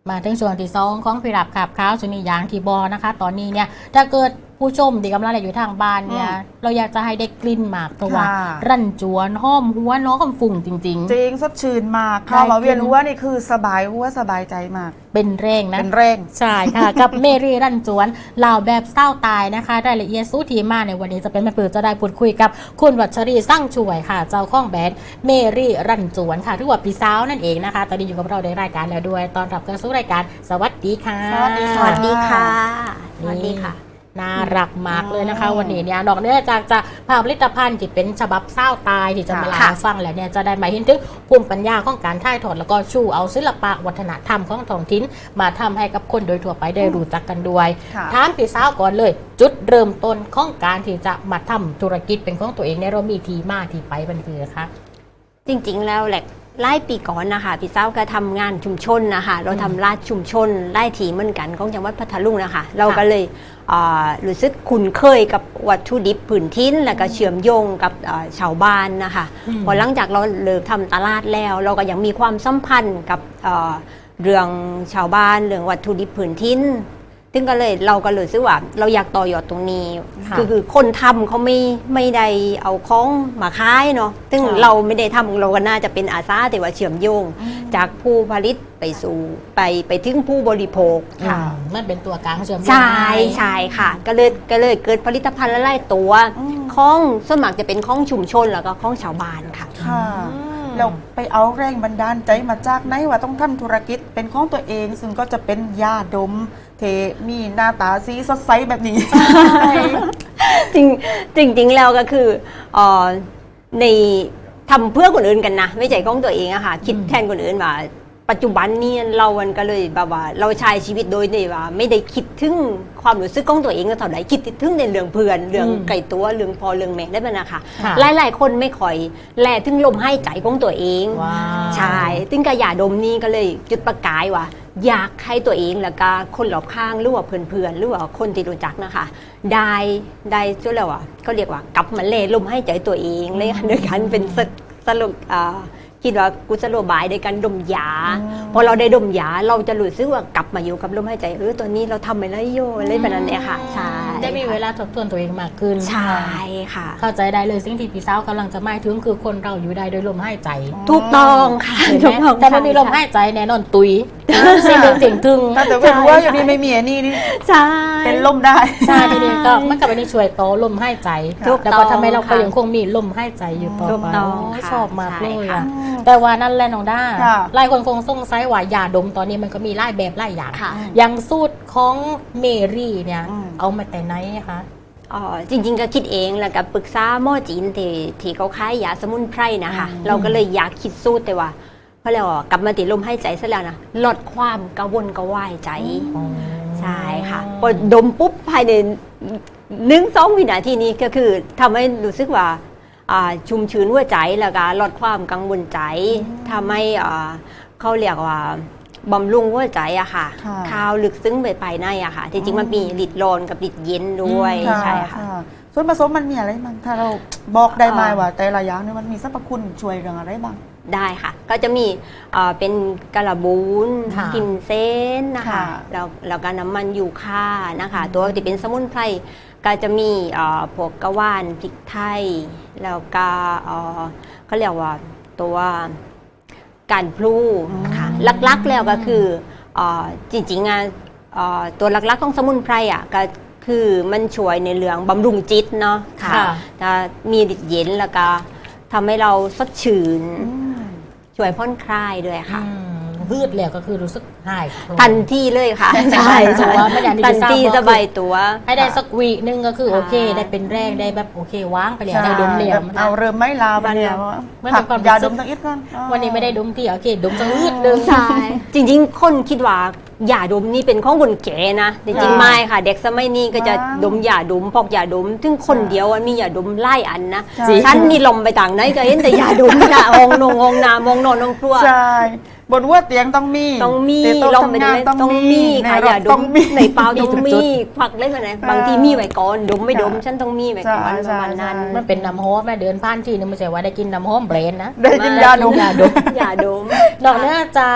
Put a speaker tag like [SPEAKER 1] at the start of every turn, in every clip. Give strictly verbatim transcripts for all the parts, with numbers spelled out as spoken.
[SPEAKER 1] มาถึงช่วงที่สองของพิรับขับข้าวสุนียางที่บอนะคะตอนนี้เนี่ยถ้าเกิดผู้ชมที่กำลังอยู่ทางบ้านเนี่ยเราอยากจะให้ได้กลิ่นหมากเพราะว่ารั่นจวนหอมหัวน้องคำฝุ่งจริงๆจริง
[SPEAKER 2] สดชื่นมากข้าวมาเวียนหัวนี่คือสบายหัวสบายใจมาก
[SPEAKER 1] เป็นแรงนะ
[SPEAKER 2] เป็นแรง
[SPEAKER 1] ใช่ค่ะ กับเมรี่รั่นจวนเหล่าแบบเศร้าตายนะคะรายละเอียดสู้ทีมาในวันนี้จะเป็นมาเปิดจะได้พูดคุยกับคุณวัชรีสร้างช่วยค่ะเจ้าของแบรนด์เมรี่รั่นจวนค่ะที่ว่าปีสาวนั่นเองนะคะตอนนี้อยู่กับเราในรายการแล้วด้วยตอนรับเข้าสู่รายการสวัสดีค่ะ
[SPEAKER 2] สวัสดี
[SPEAKER 3] สวัสดีค่ะสวัสดีค่ะ
[SPEAKER 1] น่ารักมากเลยนะคะวันนี้เนี่ยนอกเหนือจากจะพาผลิตภัณฑ์ที่เป็นฉบับเศร้าตายที่จะมาเล่าให้ฟังแล้วเนี่ยจะได้มาเห็นถึงภูมิปัญญาของการถ่ายทอดแล้วก็ชูเอาศิลปะวัฒนธรรมของท้องถิ่นมาทำให้กับคนโดยทั่วไปได้รู้จักกันด้วยถามพี่สาวก่อนเลยจุดเริ่มต้นของการที่จะมาทำธุรกิจเป็นของตัวเองในเรามีทีมาที่ไปเป็นคือคะ
[SPEAKER 3] จริงๆแล้วแหละไล่ปีก่อนนะคะพี่เจ้าก็ทำงานชุมชนนะคะเราทำราชชุมชนไล่ถีเหมือนกันของจังหวัดพัทลุงนะคะเราก็เลยรู้สึกคุ้นเคยกับวัตถุดิบพื้นถิ่นแล้วก็เชื่อมโยงกับชาวบ้านนะคะพอหลังจากเราเลิกทำตลาดแล้วเราก็ยังมีความสัมพันธ์กับเรื่องชาวบ้านเรื่องวัตถุดิบพื้นถิ่นซึ่งก็เลยเราก็เลยซื้อว่าเราอยากต่อยอดตรงนี้คือคือคนทำเขาไม่ไม่ได้เอาของมาขายเนาะซึ่งเราไม่ได้ทำเราก็น่าจะเป็นอาสาแต่ว่าเชื่อมโยงจากผู้ผลิตไปสู่ไปไปถึงผู้บริโภค
[SPEAKER 1] ค่ะมันเป็นตัวกลางเชื่อมโยง
[SPEAKER 3] ใช่ใช่ค่ะก็เลยก็เลยเกิดผลิตภัณฑ์ละลายตัวของสมัครจะเป็นของชุมชนแล้วก็ของชาวบ้านค่ะ
[SPEAKER 2] เราไปเอาแรงบันดาลใจมาจากไหนว่าต้องทำธุรกิจเป็นของตัวเองซึ่งก็จะเป็นยาดมเทมีหน้าตาสีสดใสแบบนี้
[SPEAKER 3] จริงจริงจริงแล้วก็คือในทำเพื่อคนอื่นกันนะไม่ใช่ของตัวเองอะค่ะคิดแทนคนอื่นว่าปัจจุบันนี้เรามันก็เลยแบบว่าเราใช้ชีวิตโดยที่ว่าไม่ได้คิดถึงความรู้สึกของตัวเองก็เท่าไหร่คิดถึงในเรื่องเพื่อนเรื่องไก่ตัวเรื่องพอเรื่องแม่ได้ไหมนะคะหลายๆคนไม่ค่อยแลถึงลมหายใจของตัวเองใช่ถึงกระยาดมนี้ก็เลยจุดประกายว่าอยากให้ตัวเองแล้วก็คนรอบข้างหรือว่าเพื่อนๆหรือว่าคนที่รู้จักนะคะได้ได้ช่วยแล้วว่าเขาเรียกว่ากลับมาเล่ลมหายใจตัวเองเลยโดยการเป็นสรุปคิดว่ากุศโลบายในการดมยาพอเราได้ดมยาเราจะรู้สึกว่ากลับมาอยู่กับลมหายใจเออตัวนี้เราทำไปแล้วโย่อะไรแบบนั้นเนี่ยค่ะใช่
[SPEAKER 1] ได้มีเวลาทบทวนตัวเองมากขึ้น
[SPEAKER 3] ใช่ค่ะ
[SPEAKER 1] เข้าใจได้เลยสิ่งที่พี่สาวกำลังจะหมายถึงคือคนเราอยู่ได้โดยลมหายใจ
[SPEAKER 3] ถูกต้องค่ะ
[SPEAKER 1] แต่ไม่มีลมหายใจแน่นอนตุยสิ่งหนึ่งสิ่งถึง
[SPEAKER 2] แต่เป็นว่าอยู่ดีไม่มีนี่นี่
[SPEAKER 3] ใช่
[SPEAKER 2] เป็นลมได้
[SPEAKER 1] ใช่ทีนี้ก็มันกับอันนี้ช่วยต่อลมหายใจแล้วก็ทำให้เราก็ยังคงมีลมหายใจอยู่ต่อไปชอบมากเลยอ่ะแต่ว่านั่นแหละน้องด้าหลายคนคงสงสัยว่ายาดมตอนนี้มันก็มีหลายแบบหลายอย่างอย่างสูตรของเมรี่เนี่ยเอามาแต่ไหนคะ
[SPEAKER 3] อ๋อจริงๆก็คิดเองแล้วก็ปรึกษาหมอจีนที่ที่เขาขายยาสมุนไพรนะคะเราก็เลยอยากคิดสูตรแต่ว่าเพราะเรากลับมาติดลมหายใจซะแล้วนะลดความกระวนกระวายใจใช่ค่ะพอดมปุ๊บภายในหนึ่งสองวินาทีนี้ก็คือทำให้รู้สึกว่าชุ่มชื้นหัวใจแล้วก็ลดความกังวลใจทำให้เขาเรียกว่าบำรุงหัวใจอะค่ะข้าวลึกซึ้งไปภายในอะค่ะจริงๆมันมีฤทธิ์ร้อนกับฤทธิ์เย็นด้วยใช่ค่ะ
[SPEAKER 2] ส่วนผสมมันมีอะไรบ้างถ้าเราบอกได้ไหมว่าแต่ละอย่างนี่มันมีสรรพคุณช่วยเรื่องอะไรบ้าง
[SPEAKER 3] ได้ค่ะก็จะมีเป็นกระบูนกิมเซนนะคะแล้วแล้วก็น้ำมันยูคานะคะตัวที่เป็นสมุนไพรก็จะมีพวกกระว่านพริกไทยแล้วก็เขาเรียกว่าตัวการพลูค่ะลักๆแล้วก็คือจริงๆตัวลักๆของสมุนไพรอ่ะก็คือมันช่วยในเรื่องบำรุงจิตเนาะค่ะจะมีฤทธิ์เย็นแล้วก็ทำให้เราสดชื่นช่วยผ่อนคลายด้วยค่ะ
[SPEAKER 1] พืชแล้วก็คือรู้สึกหาย
[SPEAKER 3] ทันทีเลยค่ะ
[SPEAKER 1] ใช่ชัวร์ไม่ได้
[SPEAKER 3] ทันทีสบายตัว
[SPEAKER 1] ให้ได้สักวีนึงก็คือโอเคได้เป็นแรงได้แบบโอเคว่างไปแล้วได้ดมเหลี่ยม
[SPEAKER 2] เอาเริ่มไม่ลาไปแล้วผักยาดมตั้งอิดก่อน
[SPEAKER 1] วันนี้ไม่ได้ดมที่โอเคดมสักอืดนึง
[SPEAKER 3] ใช่จริงๆคนคิดว่ายาดมนี่เป็นของคนแก่นะจริงๆไม่ค่ะเด็กสมัยนี้ก็จะดมยาดมพอกยาดมถึงคนเดียวมียาดมไล่อันนะฉันนี่ลมไปต่างไหนก็เห็นแต่ยาดมนะองนงองนามองนอนองครัว
[SPEAKER 2] ใช่บนว่าเตียงต้องมี
[SPEAKER 3] ต้องมีลมไปเลยต้องมีค่ะอย่าดมในเปล่าต้องมีควักเล่นอะไรบางทีมีไว้ก่อนดมไม่ดมฉันต้องมีไว้ก่อนประมาณนั้น
[SPEAKER 1] มันเป็นน้ำหอมแม่เดินผ่านที่นึงไม่ใช่ว่าได้กินน้ำหอมเบรนนะ
[SPEAKER 2] ได้กินยาดม
[SPEAKER 1] ยาดม
[SPEAKER 3] ยาดม
[SPEAKER 1] นอกจากท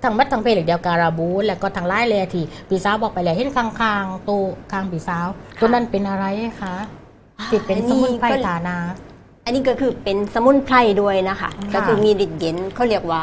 [SPEAKER 1] ทางมัดทางเพลเดียวการาบูนแล้วก็ทางไล่เลยที่ปีสาวบอกไปแล้วเห็นข้างๆตัวข้างปีสาวตัวนั้นเป็นอะไรคะติดเป็นสมุนไพรฐานา
[SPEAKER 3] อันนี้ก็คือเป็นสมุนไพรด้วยนะคะ ก็คือมีฤทธิ์เย็นเขาเรียกว่า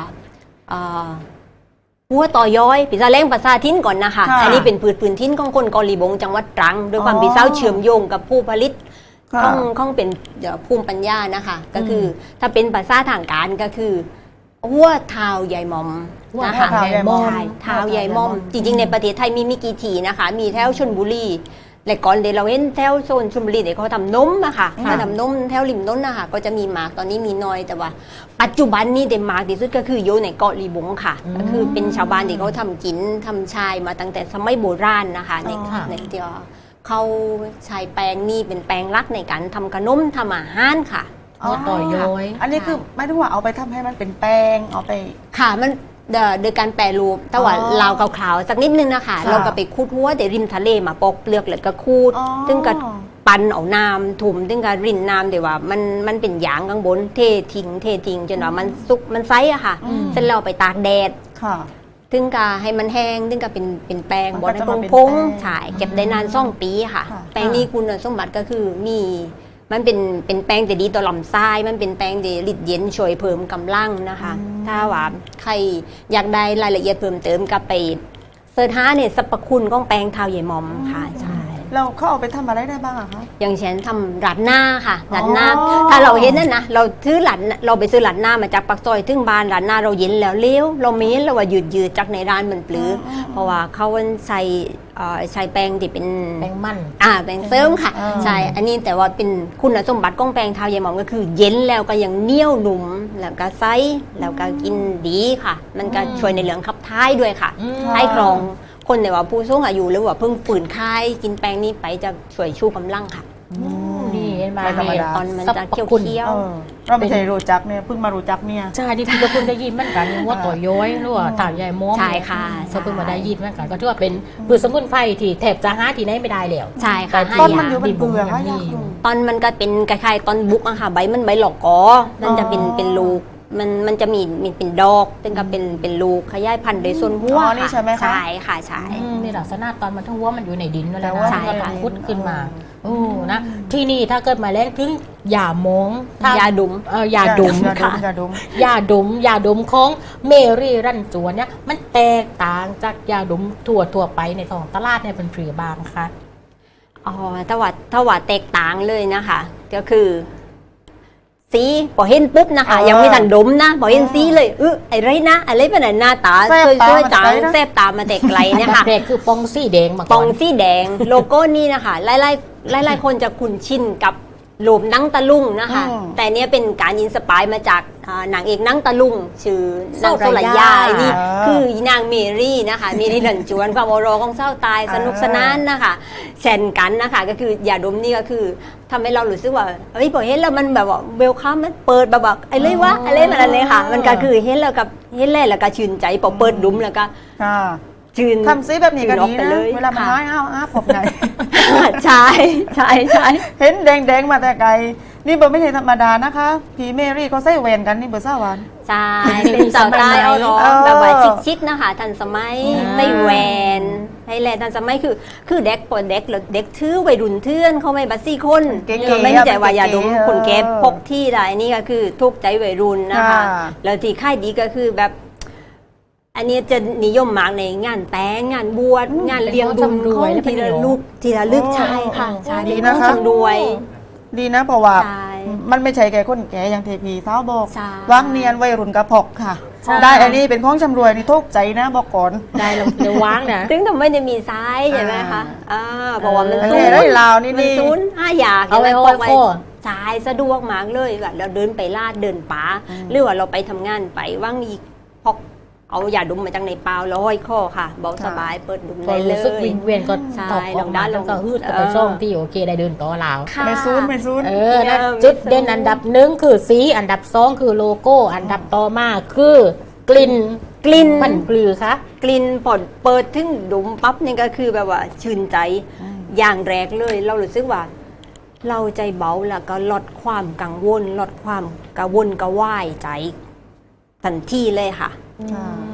[SPEAKER 3] หัวต่อย้อยปีซาแรงภาษาทิ้นก่อนนะคะ อันนี้เป็นพืชพื้นทิ้นของคนกอลีบงจังหวัดตรังโดยความปีเศร้าเชื่อมโยงกับผู้ผลิตของของเป็นภูมิปัญญานะคะก็คือถ้าเป็นภาษาทางการก็คือหัวเท้าใหญ่มอมนะคะ
[SPEAKER 2] เท้าใหญ่มอม
[SPEAKER 3] ใช่เท้าใหญ่มอม จริงๆในประเทศไทยมีมีกี่ทีนะคะมีแถวชลบุรีและก่อนเดี๋ยวเราเห็นแถวโซนชลบุรีเดี๋ยวเขาทำนมอะค่ะเขาทำนมแถวริมน้นนะคะก็จะมีหมากตอนนี้มีน้อยแต่ว่าปัจจุบันนี้เดนมาร์กที่สุดก็คืออยู่ในเกาะลีบงค่ะก็คือเป็นชาวบ้านที่เขาทำกินทำชายมาตั้งแต่สมัยโบราณนะคะในในเดียวเขาใช้แป้งนี่เป็นแป้งรักในการทำขนมทำอาหารค่ะ
[SPEAKER 1] หัวต่อย้อย
[SPEAKER 2] อันนี้คือไม่ได้ว่าเอาไปทำให้มันเป็นแป้งเอาไป
[SPEAKER 3] ค่ะมันโดยการแปรรูปแต่ว่าลาวขาวๆสักนิดนึงนะคะเราก็ไปคูดหัวแต่ริมทะเลมาปอกเปลือกแล้วก็คูดซึ่งก็ปั่นเอาน้ำถุ่มซึ่งก็รินน้ำเดี๋ยวว่ามันมันเป็นหยางข้างบนเททิ้งเททิ้งจนว่ามันสุกมันไซอะค่ะเสร็จแล้วไปตากแดด
[SPEAKER 2] ค่ะ
[SPEAKER 3] ถึงก็ให้มันแห้งถึงก็เป็นเป็นแป้ง
[SPEAKER 2] มัน
[SPEAKER 3] บ
[SPEAKER 2] ก็
[SPEAKER 3] ดให้
[SPEAKER 2] จะ
[SPEAKER 3] พ
[SPEAKER 2] มา
[SPEAKER 3] อง
[SPEAKER 2] เป็น
[SPEAKER 3] พง
[SPEAKER 2] แป้ง
[SPEAKER 3] ใช่เก็บได้นานสองปีค่ะ
[SPEAKER 2] ค่ะ
[SPEAKER 3] แป้งนี้คุณสมบัติก็คือมีมันเป็นเป็นแป้งแต่ดีต่อลำไส้มันเป็นแป้งเดลิดเย็นช่วยเพิ่มกำลังนะคะ ถ้าว่าใครอยากได้รายละเอียดเพิ่มเติมก็ไปเสิร์ชหาเนี่ยสรรพคุณของแป้งเท้าใหญ่มอมค่ะใช่
[SPEAKER 2] เราเขาเอาไปทำอะไรได้บ้างอะคะ
[SPEAKER 3] อย่างเช่นทำรัดหน้าค่ะรัดหน้า
[SPEAKER 2] อ๋อ
[SPEAKER 3] ถ้าเราเห็นนั่นนะเราซื้อรัดเราไปซื้อรัดหน้ามาจากปักซอยถึงบ้านรัดหน้าเราเย็นแล้วเลี้ยวเราไม่เห็นเราว่าหยืดยืดจากในร้านมันปลื้ออเพราะว่าเขาใช้เอ่อใช้แป้งที่เป็น
[SPEAKER 1] แป้งมัน
[SPEAKER 3] อ่าแป้งเสริมค่ะ
[SPEAKER 2] อ่า
[SPEAKER 3] ใช่อันนี้แต่ว่าเป็นคุณสมบัติของแป้งเท้าใหญ่หมอมก็คือเย็นแล้วก็ยังเหนียวหนุ่มแล้วก็ไซส์แล้วก็กินดีค่ะ มันก็ช่วยในเรื่องขับถ่ายด้วยค่ะ
[SPEAKER 1] อืม
[SPEAKER 3] ให้ครองคนแต่ว่าผู้สูงอายุหรือว่าเพิ่งฝืนคายกินแป้งนี้ไปจะช่วยชูกำลังค่ะ
[SPEAKER 1] นี่เห็นไหม
[SPEAKER 2] ไม่ธรรมดา
[SPEAKER 3] ตอนมันจะเคี้ยว
[SPEAKER 1] คุณ
[SPEAKER 3] เคี้ยว
[SPEAKER 2] เออเราไม่ใช่รู้จักเนี่ยเพิ่งมารู้จักเนี่ย
[SPEAKER 1] ใช่ที่พี่ก็เพิ่งได้ยินเหมือนกันว่าต่อย้อยหรือว่าถ่ายใหญ่ม้อม
[SPEAKER 3] ใช่ค่ะ
[SPEAKER 1] ก็เพิ่งมาได้ยินเหมือนกันก็ถือว่าเป็นพืชสมุนไพรที่แทบจะหาที่ไหนไม่ได้แล้ว
[SPEAKER 3] ใช่ค่ะ
[SPEAKER 1] แต่
[SPEAKER 2] ต้น
[SPEAKER 1] ที่
[SPEAKER 2] มันอยู่เป็นเปลือก
[SPEAKER 1] ที่
[SPEAKER 2] อะ
[SPEAKER 1] บ่
[SPEAKER 2] ยาก
[SPEAKER 1] มี
[SPEAKER 2] รู้
[SPEAKER 3] ตอนมันก็เป็นคล้ายๆตอนบุกอะค่ะใบมันใบหลอกกอมันจะเป็น
[SPEAKER 2] อ๋อ
[SPEAKER 3] เป็นลูกมันมันจะมีมีเป็นดอกซึ่งก็เป็นเป็นลูกขยายพันธุ์โดยส่วนหัว
[SPEAKER 2] อ๋อนี่
[SPEAKER 3] ค่ะ
[SPEAKER 2] ใช่ไหมคะ
[SPEAKER 3] ใช่ค่ะใช่
[SPEAKER 1] อืมมีลักษณะตอนมันทั้งหัวมันอยู่ในดินนั่นแหละ
[SPEAKER 2] แต่ว่า
[SPEAKER 1] นะ
[SPEAKER 3] ใช่
[SPEAKER 1] มันก็
[SPEAKER 3] ค่ะ
[SPEAKER 1] พุดขึ้นมาโอ้นะที่นี่ถ้าเกิดมาแล้งถึงยามงถ้
[SPEAKER 3] ยาดุม
[SPEAKER 1] เออยาดม
[SPEAKER 2] ยาด
[SPEAKER 1] ค่ะ
[SPEAKER 2] มยาดม
[SPEAKER 1] ยาดมยาดมของเมรี่รันจวนเนี่ยมันแตกต่างจากยาดมทั่วทั่วๆไปในท้องตลาดเนี่ยเป็นปรีบางค่ะ
[SPEAKER 3] อ๋อถ้าว่าถ้าว่าแตกต่างเลยนะคะ ก็คือสีพอเห็นปุ๊บนะคะ
[SPEAKER 2] เออ
[SPEAKER 3] ยังไม่ทันดมนะพอเห็นสีเลยเออไอะไรนะอะไรเป็นหน้าตา
[SPEAKER 2] แซ่บตา
[SPEAKER 3] ช่วย
[SPEAKER 2] มา
[SPEAKER 3] ๆจาง
[SPEAKER 2] แต่ไกลนะ
[SPEAKER 3] แซบตามาแต่ไกล
[SPEAKER 1] อัน
[SPEAKER 3] เนี่ย
[SPEAKER 1] ดับ
[SPEAKER 3] ค่ะ
[SPEAKER 1] แรกคือปองซี่แดงมา
[SPEAKER 3] ป
[SPEAKER 1] ก่
[SPEAKER 3] อ
[SPEAKER 1] อง น
[SPEAKER 3] สีแดงโลโก้นี่นะคะหลายๆหลายๆคนจะคุ้นชินกับรูปหนังตะลุงนะคะ
[SPEAKER 2] อืม
[SPEAKER 3] แต่เนี้ยเป็นการอินสปายมาจากอ่านางเอกหนังตะลุงชื่อนางโซลายา
[SPEAKER 1] โซลายา
[SPEAKER 3] นี่
[SPEAKER 2] อ่า
[SPEAKER 3] คือนางเมรี่นะคะเมรี่หลันจวนความโอโรของเศร้าตายสนุกสนานนะคะเช่นกันนะคะก็คือยาดมนี่ก็คือทำให้เรารู้สึกว่าเฮ้ยพอเห็นแล้วมันแบบว่าเวลคัมมันเปิดแบบว่าไอ้เลยวะไอ้เลยมันอะไรค่ะ มันก็คือเห็นแล้วกับเห็นแล้วแล้วก็ชื่นใจพอเปิดดุมแล้วก็
[SPEAKER 2] ค่ะ
[SPEAKER 3] ชื่น
[SPEAKER 2] ทำซิแบบนี้ก็
[SPEAKER 3] ชื่อ
[SPEAKER 2] ดี
[SPEAKER 3] อกไป
[SPEAKER 2] นะ
[SPEAKER 3] เลย
[SPEAKER 2] เวลามัน
[SPEAKER 3] ค่ะ
[SPEAKER 2] น้อยอ้าวอ้าวผมไง
[SPEAKER 3] ใช่ใช่ใช่
[SPEAKER 2] เห็นแดงๆมาแต่ไกล นี่เบอร์ไม่ใช่ธรรมดานะคะพี่เมรี่เขาใส่แหวนกันนี่เบอร์สาวาน
[SPEAKER 3] ใช่เป็นสาวใต้เอาร้อง
[SPEAKER 2] เออ
[SPEAKER 3] แบบว่าชิคๆนะคะทันสมัย
[SPEAKER 1] อ่า
[SPEAKER 3] ใส่แหวนไทยแลนด์ทันสมัยคือคือเด็กปนเด็กหรือเด็กถือวัยรุ่นเทื่อนเขาไม่บัสซี่คน
[SPEAKER 2] เก๋ๆ
[SPEAKER 3] เออไม่ใจว่าอย่าดม
[SPEAKER 2] เก๋ๆ
[SPEAKER 3] คนแก่
[SPEAKER 2] เออ
[SPEAKER 3] พกที่ได้นี่ก็คือทุกใจวัยรุ่นนะคะ
[SPEAKER 2] ค่ะ
[SPEAKER 3] แล้วที่ค่ายดีก็คือแบบ อันนี้จะนิยมมากในงานแต่งงานบวชงานเลี้ยงดุม
[SPEAKER 1] เป็นของชำร่วยและ
[SPEAKER 3] ที
[SPEAKER 1] เป็น
[SPEAKER 3] ละ
[SPEAKER 1] เหนียว
[SPEAKER 3] ลูกทีละลึก
[SPEAKER 2] โอ้
[SPEAKER 3] ใช่ค่ะใช่
[SPEAKER 2] ดี
[SPEAKER 3] เป็น
[SPEAKER 2] นะ
[SPEAKER 3] ของ
[SPEAKER 2] คะ
[SPEAKER 3] ชำรวย
[SPEAKER 2] ดีนะเพราะว่า
[SPEAKER 3] ใช่
[SPEAKER 2] มันไม่ใช่แก่คนแก่อย่างเทพีสาวบอก
[SPEAKER 3] ใช่
[SPEAKER 2] วางเนียนวัยรุ่นกระพกค่ะ
[SPEAKER 1] ใช่
[SPEAKER 2] ได้อันนี้เป็นของชำรวยนี่ทุกใจนะบอกก่อน
[SPEAKER 1] ได้ลงเดี๋ยวว้างนะ
[SPEAKER 3] ถึงทำไมจะมีซ้ายใช่ไหมคะอ่าเพราะว่ามัน
[SPEAKER 2] เออ
[SPEAKER 3] ซูน
[SPEAKER 2] ได้ลาวนี่
[SPEAKER 3] มัน
[SPEAKER 2] นี่
[SPEAKER 3] ซูนห้าอยาก
[SPEAKER 1] เอาไว้
[SPEAKER 3] ห็นหม
[SPEAKER 1] โค้ง
[SPEAKER 3] พก
[SPEAKER 1] โค้ง
[SPEAKER 3] สายสะดวกมากเลยแบบเราเดินไปลาดเดินป่าหรือว่าเราไปทำงานไปว่างอีกพกเอายาดมมาจากในเปล่าแล้วห้อยข้อค่ะเบาสบายเปิดดุม
[SPEAKER 1] ก็
[SPEAKER 3] ได้เล
[SPEAKER 1] รู้สึก
[SPEAKER 3] ย
[SPEAKER 1] วิงเวียนก็
[SPEAKER 3] ใช่
[SPEAKER 1] ตอบออกมา
[SPEAKER 3] ล
[SPEAKER 1] แล้
[SPEAKER 3] ง
[SPEAKER 1] ว
[SPEAKER 3] ด้านลง
[SPEAKER 1] ก็ฮืดก็
[SPEAKER 3] เอ
[SPEAKER 1] ไป
[SPEAKER 3] อ
[SPEAKER 1] ช่องที่โอเคได้เดินต่อลาว
[SPEAKER 3] ค่ะ
[SPEAKER 2] ไม่ซูนไม่ซูน
[SPEAKER 1] เออนะ
[SPEAKER 3] เออ
[SPEAKER 1] จุด
[SPEAKER 3] ไม่
[SPEAKER 1] เด่น
[SPEAKER 3] สู้
[SPEAKER 1] อันดับหนึ่งคือสีอันดับสองคือโลโก้ อันดับต่อมาคือกลิ่น
[SPEAKER 3] กลิ่น
[SPEAKER 1] มันปลือคะ
[SPEAKER 3] กลิ่นพอเปิดถึงดุมปั๊บนี่ก็คือแบบว่าชื่นใจอย่างแรกเลย เรารู้สึกว่า เราใจเบาแล้วก็ลดความกังวลลดความกระวนกระวายใจทันทีเลยค่ะ
[SPEAKER 2] ค่ะ
[SPEAKER 1] อืม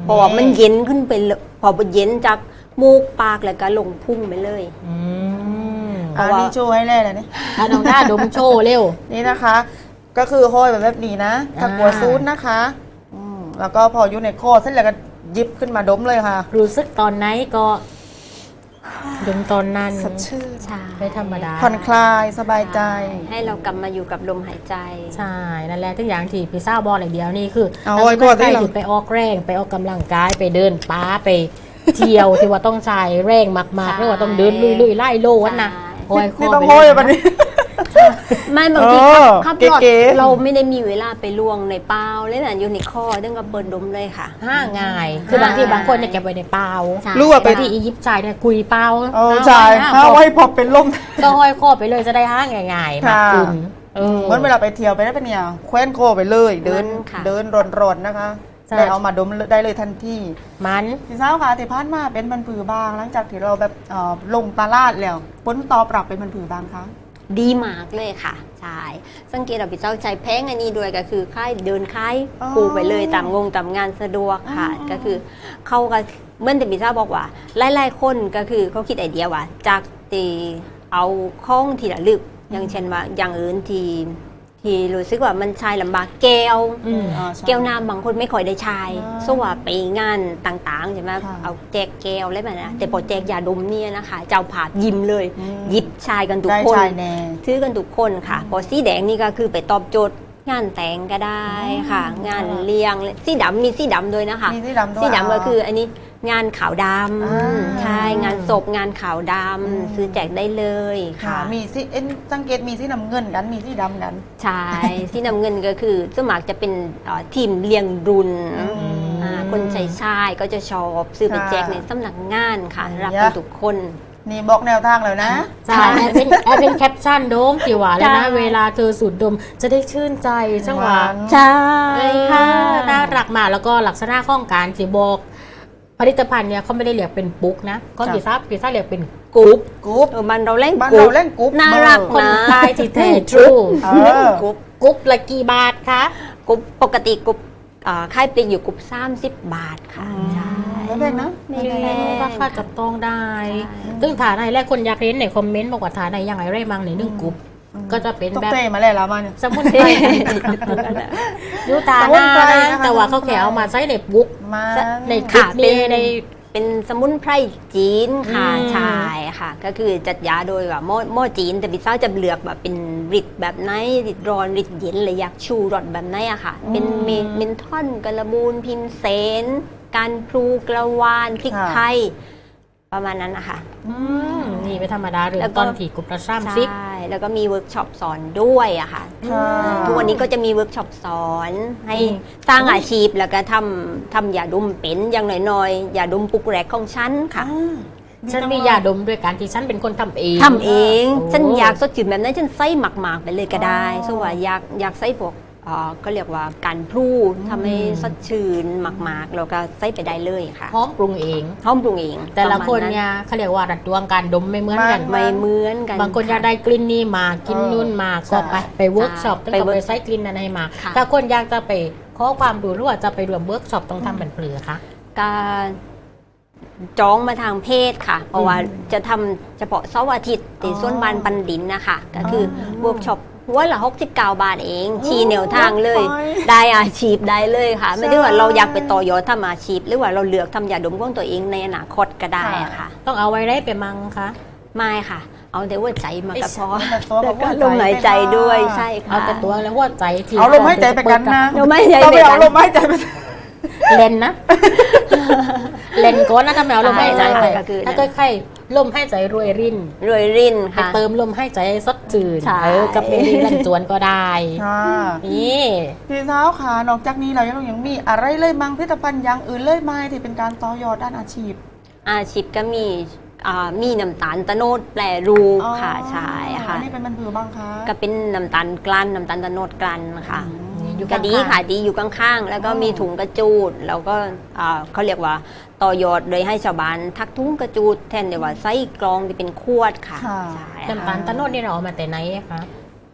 [SPEAKER 3] เพราะว่ามันเย็นขึ้นไปเลยพอเย็นจากมูกปากแล้วก็ลงพุ่งไปเลย
[SPEAKER 1] อืม
[SPEAKER 2] อันนี้โชว์ให้แล่เลยนี่
[SPEAKER 1] อ่ะน้องหน้าดมโชว์เร็ว
[SPEAKER 2] นี่นะคะ ก็คือห้อยแบบแบบนี้นะถ้ากลัวซูดนะคะอืมแล้วก็พออยู่ในคอเสร็จแล้วก็หยิบขึ้นมาดมเลยค่ะ
[SPEAKER 1] รู้สึกตอนไหนก็ดมตอนนั้น
[SPEAKER 2] สดชื่น
[SPEAKER 3] ใช่
[SPEAKER 1] ไม่ธรรมดา
[SPEAKER 2] ผ่อนคลายสบายใจ
[SPEAKER 3] ให้เรากลับมาอยู่กับลมหายใจ
[SPEAKER 1] ใช่ นั่นแหละทุกอย่างที่พิซซ่าบอลอย่างเดียวนี่คือ
[SPEAKER 2] เอาไว้ก่อน
[SPEAKER 1] ใคร
[SPEAKER 2] ที่เรา
[SPEAKER 1] ที่ไปออกแรงไปออกกำลังกายไปเดินป้าไปเที่ยวที่ว่าต้องใช้แรงมากๆหรือว่าต้องเดินลุยๆไล่โลดนะ
[SPEAKER 3] ใช่
[SPEAKER 1] โอ้ย
[SPEAKER 2] นี่
[SPEAKER 1] ข้
[SPEAKER 2] ต้อง
[SPEAKER 1] ไป
[SPEAKER 2] ห้อย
[SPEAKER 1] เล
[SPEAKER 2] แบบนี้
[SPEAKER 3] ไม่บางที
[SPEAKER 2] เออ
[SPEAKER 3] ขับรถ
[SPEAKER 2] เก๋ๆ
[SPEAKER 3] เราไม่ได้มีเวลาไปล่วงในเปล่าเลยนะอยู่ในคอต้องกับเปิดดมเลยค่ะ
[SPEAKER 1] ห้าง่าย คือบางทีบางคนเนี่ยเก็บไว้ในเปล่า
[SPEAKER 3] ใช่
[SPEAKER 2] รู้ว่าไป
[SPEAKER 1] บางทีอียิปต์ชายเนี่ยกุยเปล่า
[SPEAKER 2] เออใช่
[SPEAKER 1] ห้า
[SPEAKER 2] ถ้า
[SPEAKER 1] ไว้
[SPEAKER 2] ไว้พอเป็นลม
[SPEAKER 1] ก็ห้อยคอไปเลยจะได้ห้าง่ายๆมากขึ้นเออ
[SPEAKER 2] เหมือนเวลาไปเที่ยวไปได้เป็นเนี่ยแคว้นโคไปเลย เดิน
[SPEAKER 3] มันค่ะ
[SPEAKER 2] เดินร้อนๆนะคะ
[SPEAKER 1] ใช่
[SPEAKER 2] ได้เอามาดมได้เลยทันที
[SPEAKER 1] มัน
[SPEAKER 2] พี่สาวค่ะที่ผ่านมาเป็นมันผือบาง หลังจากที่เราแบบเอ่อลงตลาดแล้วผลตอบรับเป็นมันผือบางคะ
[SPEAKER 3] ดีมากเลยค่ะใช่สังเกตเราไปเจ้าใจแพงอันนี้ด้วยก็คือค่ายเดินค่าย
[SPEAKER 2] อ๋อ
[SPEAKER 3] ปูไปเลยตามงงตามงานสะดวกค่ะ
[SPEAKER 2] อ๋อ
[SPEAKER 3] ก็คือเขาก็เหมื่อนแต่พิซซ่าบอกว่าหลายๆคนก็คือเขาคิดไอเดียว่า จากตีเอาข้องที่ระลึก อย่างเช่นว่าอย่างอื่นที่ที่รู้สึกว่ามันใช้ลำบากแก้ว
[SPEAKER 1] อืม
[SPEAKER 2] อ่าใช่
[SPEAKER 3] แก้วน้ำบางคนไม่ค่อยได้ใช้
[SPEAKER 2] อ่า
[SPEAKER 3] สว่าไปงานต่างๆใช่ไหม
[SPEAKER 2] ค่ะ
[SPEAKER 3] เอาแจกแก้วอะไรแบบนั้นแต่พอแจกยาดมเนี่ยนะคะ เจ้าผาดยิ้มเลย
[SPEAKER 2] อืม
[SPEAKER 3] หยิบชายกันทุก
[SPEAKER 2] ได้
[SPEAKER 3] คน
[SPEAKER 2] ชายแน่
[SPEAKER 3] ซื้อกันทุกคนค่ะพอสีแดงนี่ก็คือไปตอบโจทย์งานแต่งก็ได้ค่ะ
[SPEAKER 2] อ๋อ
[SPEAKER 3] งานเลี้ยงสีดำมีสีดำด้วยนะคะ
[SPEAKER 2] มีสีดำด้วย
[SPEAKER 3] สีดำก็คืออันนี้งานขาวด
[SPEAKER 2] อ่า
[SPEAKER 3] ำใช่งานศพงานขาวด
[SPEAKER 2] อืม
[SPEAKER 3] ำซื้อแจกได้เลย
[SPEAKER 2] ค่ะ
[SPEAKER 3] ค่ะ
[SPEAKER 2] มีสีเอ็นสังเกตมีสีน้ำเงินกัน มีสีดำกัน
[SPEAKER 3] ใช่ สีน้ำเงินก็คือสวนมัครจะเป็นเอ่อทีมเลี้ยงรุ่น
[SPEAKER 2] อืม
[SPEAKER 3] อ่าคนชายชายก็จะชอบซื้อไป
[SPEAKER 2] ค่ะ
[SPEAKER 3] แจกในสำนักงานค่ะ
[SPEAKER 2] อืม
[SPEAKER 3] รับกันทุกคน
[SPEAKER 2] นี่บอกแนวทางแล้วนะ
[SPEAKER 1] ใช่แอดเป็นแอดเป็นแคปชั่นโดมกี่หวานแล้วนะ
[SPEAKER 3] ใช่
[SPEAKER 1] เวลาเธอสูดดมจะได้ชื่นใจจังหวะ
[SPEAKER 2] หวาน
[SPEAKER 3] ใช่
[SPEAKER 1] เออ
[SPEAKER 3] ค่ะ
[SPEAKER 1] น่ารักมากแล้วก็ลักษณะของการที่บอกผลิตภัณฑ์เนี่ยเขาไม่ได้เรียกเป็นปุ๊กนะก็
[SPEAKER 2] จ้ะ
[SPEAKER 1] พิซซ่าพิซซ่าเรียกเป็นกรุ๊ป
[SPEAKER 2] กรุ๊ป
[SPEAKER 3] เออมันเราเล่น
[SPEAKER 2] บ้าน
[SPEAKER 3] กรุ๊
[SPEAKER 2] เรา
[SPEAKER 3] ป
[SPEAKER 2] เล่นกรุ๊ป
[SPEAKER 3] น่ารัก
[SPEAKER 2] เบอ
[SPEAKER 1] คน
[SPEAKER 3] นะ
[SPEAKER 1] ใต้ที่แท้ทรู
[SPEAKER 2] เออ
[SPEAKER 3] กรุ๊ป
[SPEAKER 1] กรุ๊ปละกี่บาทคะ
[SPEAKER 3] กรุ๊ปปกติกรุ๊ปอ่าค่ายปลีกอยู่กรุ๊ปสามสิบบาทค่ะ ใช่
[SPEAKER 2] ไม่แพงนะ
[SPEAKER 3] ไม่
[SPEAKER 2] ไม่
[SPEAKER 3] แพ
[SPEAKER 2] แพง
[SPEAKER 3] ง
[SPEAKER 1] ราคาจับต้องได้
[SPEAKER 3] ใช่
[SPEAKER 1] ซึ่งฐานไหนแรกคนอยากเรียนในคอมเมนต์บอกว่าฐานไหนยังไงเร่มังในหนึ่งกรุ๊ปก็จะเป็น
[SPEAKER 2] ต้อง
[SPEAKER 1] แบบ
[SPEAKER 2] เต้มาแล้วละมาเนี่ย
[SPEAKER 1] สมุนไพรยูตา
[SPEAKER 2] สมุ
[SPEAKER 1] ห
[SPEAKER 2] น
[SPEAKER 1] น้า
[SPEAKER 2] ไพร
[SPEAKER 1] นะ
[SPEAKER 2] นะคะ
[SPEAKER 1] แต่ว่าเขาแค่เอามาใช้ในบุ๊ก
[SPEAKER 2] มา
[SPEAKER 1] ในคลิป
[SPEAKER 3] ค่ะ
[SPEAKER 1] นี้
[SPEAKER 3] เป็น
[SPEAKER 1] ใน
[SPEAKER 3] เป็นสมุนไพรจีนค่ะ
[SPEAKER 1] อืม
[SPEAKER 3] ใช่ค่ะ ก็คือจัดยาโดยว่าหม้อหม้อจีนแต่พิซซ่าจะเลือกแบบเป็นริดแบบไหนริดร้อนริดเย็นเลยอยากชูรสแบบไหนอะค่ะ เป็นเมเมนทอนกระบูนพิมเซนการพลูกระวานพริก
[SPEAKER 2] ค่ะ
[SPEAKER 3] ไทย ประมาณนั้นนะคะ
[SPEAKER 1] อืมนี่ไม่ธรรมดาเรื่อ
[SPEAKER 3] แล้ว
[SPEAKER 1] ง
[SPEAKER 3] ก็
[SPEAKER 1] ตอนที่กรุ๊ปละสามสิบ
[SPEAKER 3] ใช่ แล้วก็มีเวิร์กช็อปสอนด้วยอะค่ะ
[SPEAKER 2] ค่ะ
[SPEAKER 3] ทุกวันนี้ก็จะมีเวิร์กช็อปสอนให้
[SPEAKER 1] อืม
[SPEAKER 3] สร้างอาชีพแล้วก็ทำทำยาดมเป็นอย่างน้อยๆยาดมปุกแรกของฉันค่ะ
[SPEAKER 2] อ่า
[SPEAKER 1] ฉันมียาดมด้วยการที่ฉันเป็นคนทำเอง
[SPEAKER 3] ทำเอง
[SPEAKER 1] โอ้
[SPEAKER 3] ฉันอยากสดชื่นแบบนั้นฉันใส่หมักๆไปเลยก็ได้
[SPEAKER 2] อ๋อ
[SPEAKER 3] สว่าอยากอยากใส่พวกเอ่อก็เรียกว่าการพลูทำให้สดชื่นหมักๆแล้วก็ใส่ไปได้เลยค่ะ
[SPEAKER 1] พร้อมปรุงเอง
[SPEAKER 3] ห้องปรุงเอง
[SPEAKER 1] แต่ละคน
[SPEAKER 3] ประมาณ
[SPEAKER 1] เนี่ยเขาเรียกว่าดัดดวงการดมไม่เหมือนกัน
[SPEAKER 2] ไม่
[SPEAKER 3] ไม่เหมือนกัน
[SPEAKER 1] บางคนอยากได้กลิ่นนี้มากิน
[SPEAKER 2] เออ
[SPEAKER 1] นู่นมา
[SPEAKER 2] ใช่
[SPEAKER 1] ก็ไปไปเวิร์กช็อปต้อง
[SPEAKER 3] ไป
[SPEAKER 1] เอา
[SPEAKER 3] เวิร์
[SPEAKER 1] ไป
[SPEAKER 3] ก
[SPEAKER 1] ใช้กลิ่นนั้นให้มา
[SPEAKER 3] ค่ะ
[SPEAKER 1] ถ้าคนอยากจะไปขอความรู้หรือว่าจะไปรวมเวิร์กช็อปต้องทำเป็นเปลือคะ
[SPEAKER 3] การจองมาทางเพศค่ะ เพราะว่าจะทำเฉพาะเสาร์อาทิตย์ที่
[SPEAKER 2] อ๋อ
[SPEAKER 3] ส่วนบานปันดินนะคะก็คืออ
[SPEAKER 2] อ
[SPEAKER 3] เวิร์กช็อปหัวละหกสิบเก้าบาทเอง ชี้แนวทางเลย
[SPEAKER 2] ไป
[SPEAKER 3] ได้อาชีพได้เลยค่ะ ไม่ได้ว่า
[SPEAKER 2] ใช่
[SPEAKER 3] เราอยากไปต่อยอดทำอาชีพ หรือว่าเราเลือกทำยาดมของตัวเองในอนาคตก็ได้อะค่ะ
[SPEAKER 1] ต้องเอาไว้ได้ไปมังคะ
[SPEAKER 3] ไม่ค่ะ เอาแต่ว่าใจมาก็พอ
[SPEAKER 2] แต่ตัว
[SPEAKER 3] แล้ว
[SPEAKER 2] บ
[SPEAKER 3] ก็
[SPEAKER 2] อก
[SPEAKER 3] ล
[SPEAKER 2] ว่าม
[SPEAKER 3] หายใจด้วยใช่
[SPEAKER 1] เอา
[SPEAKER 3] ค่ะ
[SPEAKER 1] แต่ตัวแล้วหัวใจที่
[SPEAKER 2] เอาลมหายใจไปกันนะ
[SPEAKER 3] ลมหายใจ
[SPEAKER 2] เรา
[SPEAKER 3] ไป
[SPEAKER 2] ไป
[SPEAKER 3] กั
[SPEAKER 2] เอา
[SPEAKER 3] น
[SPEAKER 2] ลมหายใจไป
[SPEAKER 1] เลนนะ เลนก้อนนะทำไมเอาลมหายใจไป
[SPEAKER 3] ใช่ก็คือ
[SPEAKER 1] ถ้าค่อยๆลมหายใจรวยริน
[SPEAKER 3] รวยริน
[SPEAKER 1] ไป
[SPEAKER 3] ค่ะ
[SPEAKER 1] เติมลมหายใจให้สดจืด
[SPEAKER 3] ใช่
[SPEAKER 1] เออกับเมลีลันจวนก็ได้
[SPEAKER 2] ค่ะ
[SPEAKER 1] นี่
[SPEAKER 2] พี่สาวค่ะนอกจากนี้เรายังยังมีอะไรเลยมั้งผลิตภัณฑ์อย่างอื่นเลยไหมที่เป็นการต่อยอดด้านอาชีพ
[SPEAKER 3] อาชีพก็มีอ่ามีน้ำตาลตะโนดแปรรูปค่ะใช่ค่ะ
[SPEAKER 2] อันนี้เป็นมันผือบ้างคะ
[SPEAKER 3] ก็เป็นน้ำตาลกลั่นน้ำตาลตะโนดกลั่นค่ะ
[SPEAKER 1] นี่อยู่
[SPEAKER 3] ก็
[SPEAKER 1] ข้างๆ
[SPEAKER 3] ดีค่ะดีอยู่ข้างๆ แล้วก็มีถุงกระจูด แล้วก็อ่าเขาเรียกว่าต่อยอดโดยให้ชาวบ้านทักถุงกระจูดแทนเดียวว่าไส้กรองที่เป็นขวดค่ะ
[SPEAKER 2] ค่ะ
[SPEAKER 3] ใช่
[SPEAKER 1] น้ำตาลตะโนดนี่เราเอามาแต่ไหนอะคะ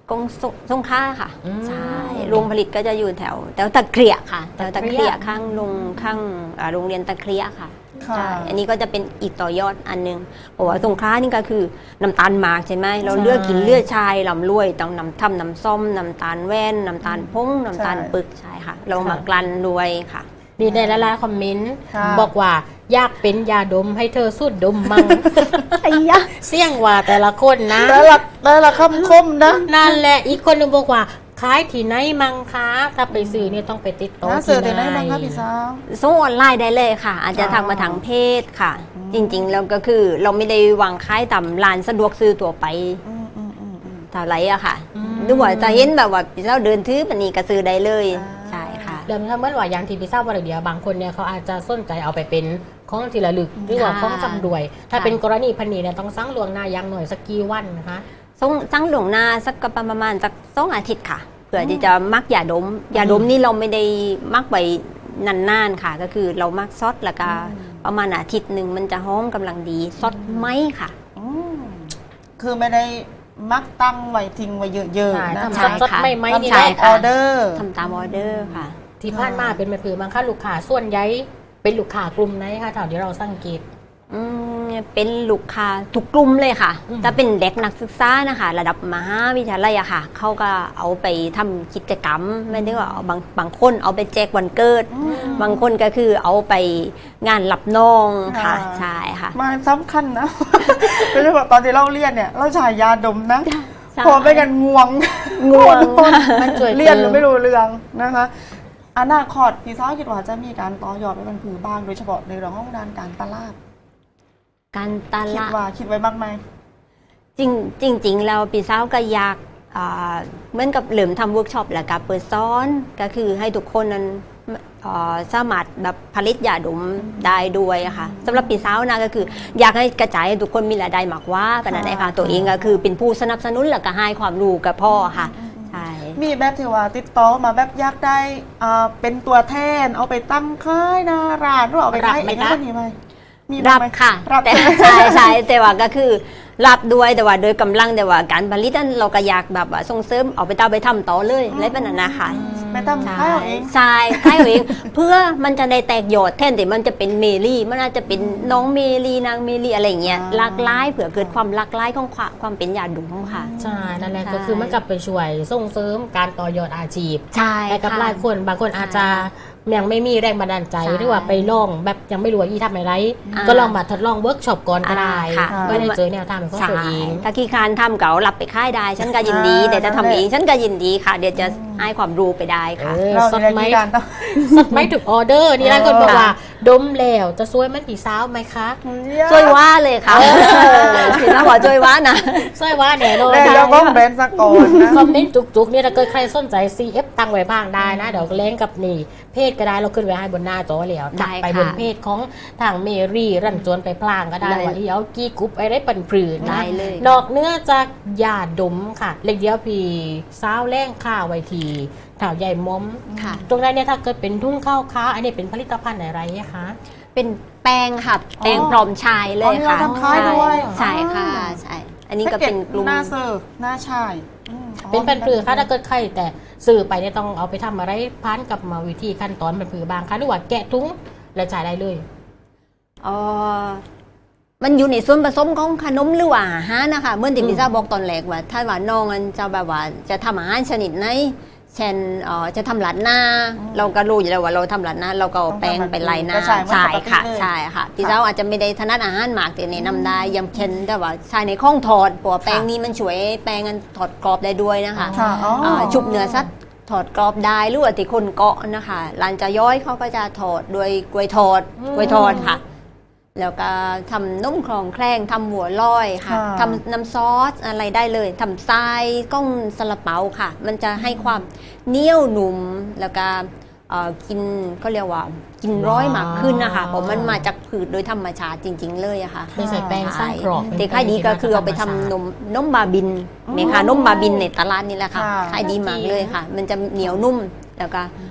[SPEAKER 3] กงสสงขลาค่ะ
[SPEAKER 1] อืม
[SPEAKER 3] ใช่โรงผลิตก็จะอยู่แถวแถวตะเกียค่ะแถวตะ
[SPEAKER 1] ตะเกี
[SPEAKER 3] เกี
[SPEAKER 1] ย
[SPEAKER 3] ยข้างโรงข้างอ่าโรงเรียนตะเกียค่ะ
[SPEAKER 2] ค่ะ
[SPEAKER 3] ใช่อันนี้ก็จะเป็นอีกต่อยอดอันหนึงเพราะว่าสงขลานี่ก็คือน้ำตาลหมากใช่ไหมเราเลือกกินเลือดชายลำรวยต้องน้ำทำน้ำส้มน้ำตาลแว่นน้ำตาลพงน้ำตาลปึกใช่ค่ะ เรามากลั่นรวยค่ะ
[SPEAKER 1] นี่ในละลายคอมเมนต์
[SPEAKER 2] ค่ะ
[SPEAKER 1] บอกว่าอยากเป็นยาดมให้เธอสูดดมมัง
[SPEAKER 3] ไอ้ยะ
[SPEAKER 1] เสี่ยงว่าแต่ละคนนะ
[SPEAKER 2] แล้วละแล้วละคำคมนะ
[SPEAKER 1] นั่นแหละอีกคนหนึงบอกว่าขายที่ไหนมังคะถ้าไปซื้อเนี่ยต้องไปติดต่อ
[SPEAKER 2] นะ
[SPEAKER 1] ที่
[SPEAKER 2] เสือแต่ไหนบ้างคะพี่สาว
[SPEAKER 3] ส่งออนไลน์ได้เลยค่ะ อาจจะ
[SPEAKER 2] อ๋อ
[SPEAKER 3] ทางมาทางเพจค่ะ จริงๆแล้วก็คือเราไม่ได้วางขายตามร้านสะดวกซื้อตัวไป
[SPEAKER 2] อืมอืมอืมอืม
[SPEAKER 3] เท่าไหรอะค่ะหรือว่าจะเห็นแบบว่าเราเดินถือปันนี้ก็ซื้อได้เลย
[SPEAKER 2] อ่า
[SPEAKER 3] ใช่ค่ะ
[SPEAKER 1] เดิมถ้าเมื่อว่าอย่างที่พี่ทราบว่าเดียวบางคนเนี่ยเขาอาจจะสนใจเอาไปเป็นของที่ระลึกหรือว่าของจำรวย ถ้าเป็นกรณีพันนี้เนี่ยต้องสั่งลวงหน้าอย่างหน่อยสักกี่วันนะคะ
[SPEAKER 3] ส่งสั่งหลวงหน้าสักประมาณสักสองอาทิตย์ค่ะเผื่อที่จะมักยาดมยาดมนี่เราไม่ได้มักไว้นานๆค่ะ ก็คือเรามักซดแล้วก็ประมาณอาทิตย์หนึ่งมันจะหอมกำลังดีซดไหมค่ะ
[SPEAKER 2] อืมคือไม่ได้มักตั้งไว้ทิ้งไว้เยอะ
[SPEAKER 1] ใช่
[SPEAKER 2] ๆนะ
[SPEAKER 1] ทำ
[SPEAKER 3] ใช่
[SPEAKER 1] สด
[SPEAKER 3] ค่ะ
[SPEAKER 1] ๆไม่ไหมนี่
[SPEAKER 2] ทำ
[SPEAKER 1] แห
[SPEAKER 2] ตา
[SPEAKER 1] ละ
[SPEAKER 2] มออเดอร์
[SPEAKER 3] ทำตามออเดอร์ค่ะ
[SPEAKER 1] ที่ผ่านมาเป็นแบบคือมังคะลูกค้าส่วนใหญ่เป็นลูกค้ากลุ่มไหนคะเท่าที่เราสังเกต
[SPEAKER 3] อืมเป็นลูกค้าทุกกลุ่มเลยค่ะ
[SPEAKER 1] อืม
[SPEAKER 3] ถ้าเป็นเด็กนักศึกษานะคะ ระดับมหาวิทยาลัยอะค่ะ เขาก็เอาไปทำกิจกรรมไม่ได้ว่าเอาบางบางคนเอาไปแจกวันเกิด บางคนก็คือเอาไปงานรับน้องค่ะ
[SPEAKER 2] อ่า
[SPEAKER 3] ใช่ค่ะ
[SPEAKER 2] มาสำคัญนะ ไม่ใช่แบบตอนที่เราเรียนเนี่ย เราฉายยาดมนะ
[SPEAKER 3] ใช่
[SPEAKER 2] พอไปกันง่วง
[SPEAKER 3] ง่วง
[SPEAKER 1] มันช่วย
[SPEAKER 2] เรียน
[SPEAKER 1] เติม
[SPEAKER 2] ไม่รู้เรื่องนะคะอนาคตพี่สาวคิดว่าจะมีการต่อยอดไปเป็นผือบ้างโดยเฉพาะในเรื่องของด้านการตลาด
[SPEAKER 3] การต
[SPEAKER 2] คิด
[SPEAKER 3] ลาด
[SPEAKER 2] ว่าคิดไว้บ้างไหม
[SPEAKER 3] จริงจริงๆแล้วปีสาวก็อยากอ่าเหมือนกับเหลิมทำเวิร์กช็อปแล้วก็เปิดซ้อนก็คือให้ทุกคนนั้นอ่าสามารถแบบผลิตยาดมได้ด้วยอะค่ะสำหรับปีสาวนะก็คือ อยากให้กระจายให้ทุกคนมีรายได้มากกว่ากันนั่นเองค่ะตัวเองก็คือเป็นผู้สนับสนุนแล้วก็ให้ความรู้กับพ่อค่ะใช่
[SPEAKER 2] มีแบบที่ว่าติดต่อมาแบบอยากได้อ่าเป็นตัวแทนเอาไปตั้งค่ายหนาร้านหรือว่าเอาไปขาย
[SPEAKER 1] รับไหม
[SPEAKER 2] เอง
[SPEAKER 1] คะ
[SPEAKER 2] ก็มีไหมมี
[SPEAKER 3] รับ
[SPEAKER 2] ไหม
[SPEAKER 3] ค่ะ
[SPEAKER 2] รับ
[SPEAKER 3] แต่ใช่ใช่แต่ว่าก็คือรับด้วยแต่ว่าโดยกำลังแต่ว่าการผลิตนั้นเราก็อยากแบบว่าส่งเสริมเอาไปต่อไปทำต่อเลยอะไรแบบนั้นนะคะ
[SPEAKER 2] ไปตั้งค่ายเอาเอง
[SPEAKER 3] ใช่ค่ายเอาเอง เพื่อมันจะได้แตกยอดแทนที่มันจะเป็นเมลี่มันอาจจะเป็นน้องเมลี่นางเมลี่อะไรอย่างเงี้ย
[SPEAKER 2] อ่า
[SPEAKER 3] หลากหลายเผื่อเกิดความหลากหลายของความความเป็นยาดุมค่ะ
[SPEAKER 1] ใช่นั่นแหละ
[SPEAKER 3] ใช่
[SPEAKER 1] ก็คือมันกลับไปช่วยส่งเสริมการต่อยอดอาชีพ
[SPEAKER 3] ใช่
[SPEAKER 1] แต่กับ
[SPEAKER 3] ค่ะ
[SPEAKER 1] หลายคนบางคนอาจจะยังไม่มีแรงบันดาลใจ
[SPEAKER 3] ใช่
[SPEAKER 1] หรือว่าไปลองแบบยังไม่รู้ว่าอีทำอะไร
[SPEAKER 3] อ่า
[SPEAKER 1] ก็ลองมาทดลองเวิร์กช็อปก่อนก็ได้
[SPEAKER 3] อ่าค่ะ
[SPEAKER 1] ก็ได้เจอแนวทางของ
[SPEAKER 3] ใช่
[SPEAKER 1] ตัวเอง
[SPEAKER 3] ถ้าขี้คร้านทำเก๋ารับไปค่ายได้ ฉันก็ยินดี
[SPEAKER 2] อ่า
[SPEAKER 3] แต่จะทำเองฉันก็ยินดีค่ะ เดี๋ยวจะให้ความรู้ไปได้
[SPEAKER 1] เอ
[SPEAKER 3] ค่ะ
[SPEAKER 1] อ
[SPEAKER 2] เรา
[SPEAKER 1] สด
[SPEAKER 2] ใน
[SPEAKER 1] ไหม
[SPEAKER 2] การต้อง
[SPEAKER 1] สดไหมถูกออเดอร์นี่หลายคนบอกว่า
[SPEAKER 3] ค่ะ
[SPEAKER 1] ดมแล้วจะซวยเหมันผีสาวไหมคะ
[SPEAKER 3] ช่วยว่าเลยค่ะสินะบอกช่วยว่านะ
[SPEAKER 1] ซวยว่าแน่นอน
[SPEAKER 2] แล้
[SPEAKER 1] ค่ะ
[SPEAKER 2] วก็แบรนด์สกอนนะ
[SPEAKER 1] คอมเมนต์จุกๆเนี่ยถ้าเกิดใครสนใจ ซี เอฟ ตังไว้บ้างได้นะ เดี๋ยวเล้งกับนี่เพจก็ได้เราขึ้นไว้ให้บนหน้าจอแล้ว
[SPEAKER 3] ได้
[SPEAKER 1] ไป
[SPEAKER 3] ค่ะ
[SPEAKER 1] บนเพจของทางเมรี่รันจวนไปพลางก็ได้
[SPEAKER 3] ได้
[SPEAKER 1] ว่าที่เอากี้กรุ๊ปไอ้ได้ปันปรืนนะ
[SPEAKER 3] ได้เลย
[SPEAKER 1] นอกเนื้อจากยาดมค่ะ เล็กเดียวพี่สาวแรงข้าวไว้ทีถาวใหญ่ม้อม
[SPEAKER 3] ค่ะ
[SPEAKER 1] ตรงนั้นเนี่ยถ้าเกิดเป็นทุ่งข้าวค้าอันนี้เป็นผลิตภัณฑ์อะไรคะ
[SPEAKER 3] เป็นแป้งค่ะแป้ง
[SPEAKER 2] อ๋อ
[SPEAKER 3] พร้อมชายเลยค่ะ
[SPEAKER 2] อ๋อนี่เราทำขายด้วย
[SPEAKER 3] ใช่ค่ะ
[SPEAKER 2] อ๋อ
[SPEAKER 3] ใช่ อันนี้ก็เป็นกลุ่ม
[SPEAKER 2] หน้าเสิร์ฟหน้าชายอืมอ๋อ
[SPEAKER 1] เป็นเป็นปลือค่ะถ้าเกิดใครแต่สื่อไปเนี่ยต้องเอาไปทำอะไรพันกับมาวิธีขั้นตอนเป็นปลือบางคะหรือว่าแกะถุงและจ่ายได้เลย
[SPEAKER 3] อ๋อมันอยู่ในส่วนผสมของขนมหรือว่าอาหารนะคะเมื่อที่
[SPEAKER 1] อืม
[SPEAKER 3] พิซซ่าบอกตอนแรกว่า ถ้าว่าน้องมันจะแบบว่าจะทำอาหารชนิดไหนเช่นเอ่อจะทำหลาดหน้า เราก็รู้อยู่แล้วว่าเราทำหลาดหน้า เราก็เอาแป้งไปไล่หน้า
[SPEAKER 2] ก็ใช่เหมือน
[SPEAKER 3] ใช่
[SPEAKER 2] ปกติ
[SPEAKER 3] ค่ะ
[SPEAKER 2] เลย
[SPEAKER 3] ใช่ค่ะพิซซ่าอาจจะไม่ได้ถนัดอาหารหมากแต่แนะนำได้อยังเช่นแต่ว่าใช้ในข้องถอดเพราะว่าแป้งนี้มันช่วยแป้งมันถอดกรอบได้ด้วยนะคะ
[SPEAKER 2] ค่ะอ๋ออ
[SPEAKER 3] อ่าชุบเนื้อสัตว์ถอดกรอบได้หรือว่าที่คนเกาะนะคะร้านจะย้อยเขาก็จะถอดด้วยกล้วยทอด
[SPEAKER 1] อืม
[SPEAKER 3] กล้วยทอดค่ะ แล้วก็ทำนุ่มคลองแครงทำหัวลอยค่ะ
[SPEAKER 2] ค่ะ
[SPEAKER 3] ทำน้ำซอสอะไรได้เลยทำทรายก้องซาลาเปาค่ะ มันจะให้ความเหนียวหนุ่มแล้วก็เอ่อกินก็เรียกว่ากินร้อยมากขึ้นนะคะเพราะมันมาจากผืชโดยธรรมชาติจริง ๆ เลยอะค่ะ
[SPEAKER 1] ไม่ใส่แป้งสร้างกรอบ
[SPEAKER 3] แต่ค่ายดีก็คือเอาไปทำนมนมบาบินเมค่ะนมบาบินในตลาดนี่แหละค่ะ
[SPEAKER 2] ค่ะ
[SPEAKER 3] ขายดีมากเลยค่ะ มันจะเหนียวนุ่มแล้วก็